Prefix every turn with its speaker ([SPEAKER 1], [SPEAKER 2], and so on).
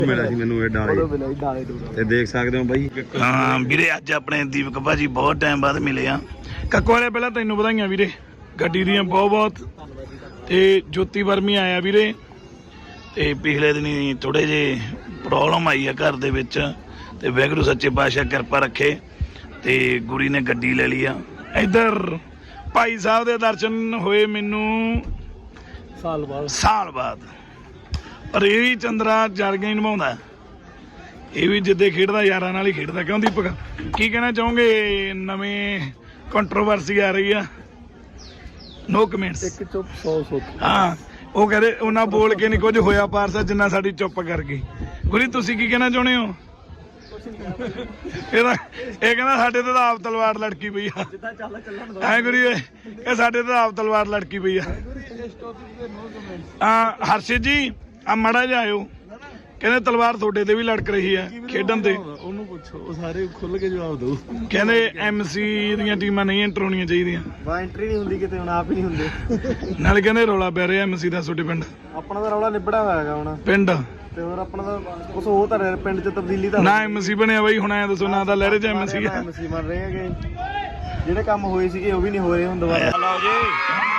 [SPEAKER 1] ਮਿਲਿਆ ਸੀ ਮੈਨੂੰ ਇਹ ਡਾਲੇ ਤੇ ਦੇਖ ਸਕਦੇ ਹੋ ਬਾਈ।
[SPEAKER 2] ਹਾਂ ਵੀਰੇ ਅੱਜ ਆਪਣੇ ਦੀਪਕ ਭਾਜੀ ਬਹੁਤ ਟਾਈਮ ਬਾਅਦ ਮਿਲੇ ਆ। ਕੱਕੋ ਵਾਲੇ ਪਹਿਲਾਂ ਤੈਨੂੰ ਵਧਾਈਆਂ ਵੀਰੇ ਗੱਡੀ ਦੀਆਂ ਬਹੁਤ ਤੇ ਜੋਤੀ ਵਰਮੀ ਆਇਆ ਵੀਰੇ। ਤੇ ਪਿਛਲੇ ਦਿਨੀ ਥੋੜੇ ਜੇ ਪ੍ਰੋਬਲਮ ਆਈ ਆ ਘਰ ਦੇ ਵਿੱਚ ਤੇ ਵਾਹਿਗੁਰੂ ਸੱਚੇ ਪਾਤਸ਼ਾਹ ਕਿਰਪਾ ਰੱਖੇ ਤੇ ਗੁਰੀ ਨੇ ਗੱਡੀ ਲੈ ਲਈ ਆ। ਇੱਧਰ ਭਾਈ ਸਾਹਿਬ ਦੇ ਦਰਸ਼ਨ ਹੋਏ ਮੈਨੂੰ ਸਾਲ ਬਾਅਦ। ਪਰ ਇਹ ਵੀ ਚੰਦਰਾ ਜਰਗਾ ਹੀ ਨਿਭਾਉਂਦਾ। ਇਹ ਵੀ ਜਿੱਦੇ ਖੇਡਦਾ ਯਾਰਾਂ ਨਾਲ ਹੀ ਖੇਡਦਾ। ਕਿਉਂ ਦੀਪਕ ਕੀ ਕਹਿਣਾ ਚਾਹੋਗੇ? ਨਵੇਂ ਕੰਟਰੋਵਰਸੀ ਆ ਰਹੀ ਆ। No comments. ਇੱਕ ਚੁੱਪ 100 ਸੋਚ। ਹਾਂ ਉਹ ਕਹਿੰਦੇ ਉਹਨਾਂ ਬੋਲ ਕੇ ਨਹੀਂ ਕੁਝ ਹੋਇਆ ਪਾਰਸਾ ਜਿੰਨਾ ਸਾਡੀ ਚੁੱਪ ਕਰ ਗਈ। ਗੁਰੀ ਤੁਸੀਂ ਕੀ ਕਹਿਣਾ ਚਾਹੁੰਦੇ ਹੋ? ਇਹ ਕਹਿੰਦਾ ਸਾਡੇ ਤੇ ਤਾਂ ਆਪ ਤਲਵਾਰ ਲੜਕੀ ਪਈ ਆ। ਐ ਗੁਰੀ ਇਹ ਸਾਡੇ ਤੇ ਆਪ ਤਲਵਾਰ ਲੜਕੀ ਪਈ ਆ। ਹਰਸ਼ਿਤ ਜੀ ਆ ਮਾੜਾ ਜਿਹਾ ਆਇਓ। ਕਹਿੰਦੇ ਤਲਵਾਰ ਤੁਹਾਡੇ ਤੇ ਵੀ ਲੜਕ ਰਹੀ ਹੈ ਖੇਡਣ ਤੇ।
[SPEAKER 1] ਉਹਨੂੰ ਪੁੱਛੋ ਉਹ ਸਾਰੇ ਖੁੱਲ ਕੇ ਜਵਾਬ ਦਿਓ।
[SPEAKER 2] ਕਹਿੰਦੇ ਐਮਸੀ ਦੀਆਂ ਟੀਮਾਂ ਨਹੀਂ ਐਂਟਰ ਹੋਣੀਆਂ ਚਾਹੀਦੀਆਂ।
[SPEAKER 1] ਐਂਟਰੀ ਨਹੀਂ ਹੁੰਦੀ ਕਿਤੇ ਹੁਣ ਆਪ ਹੀ ਨਹੀਂ ਹੁੰਦੇ।
[SPEAKER 2] ਨਾਲੇ ਕਹਿੰਦੇ ਰੌਲਾ ਪੈ ਰਿਹਾ ਐਮਸੀ ਦਾ ਤੁਹਾਡੇ ਪਿੰਡ।
[SPEAKER 1] ਆਪਣਾ ਤਾਂ ਰੌਲਾ ਨਿਬੜਾ ਹੋਇਆ ਹੈਗਾ ਹੁਣ
[SPEAKER 2] ਪਿੰਡ
[SPEAKER 1] ਤੇ ਹੋਰ ਆਪਣਾ ਤਾਂ ਕੁਛ ਹੋ ਤਾਂ ਰਿਹਾ ਪਿੰਡ 'ਚ ਤਬਦੀਲੀ ਤਾਂ
[SPEAKER 2] ਨਾ ਐਮਸੀ ਬਣਿਆ ਬਾਈ। ਹੁਣ ਐ ਦੱਸੋ ਨਾ ਤਾਂ ਲਹਿਰੇ 'ਚ ਐਮਸੀ
[SPEAKER 1] ਬਣ ਰਹੇ ਹੈਗੇ ਜਿਹੜੇ ਕੰਮ ਹੋਏ ਸੀਗੇ ਉਹ ਵੀ ਨਹੀਂ ਹੋ ਰਹੇ ਹੁਣ ਦੁਬਾਰਾ।
[SPEAKER 2] ਲਓ ਜੀ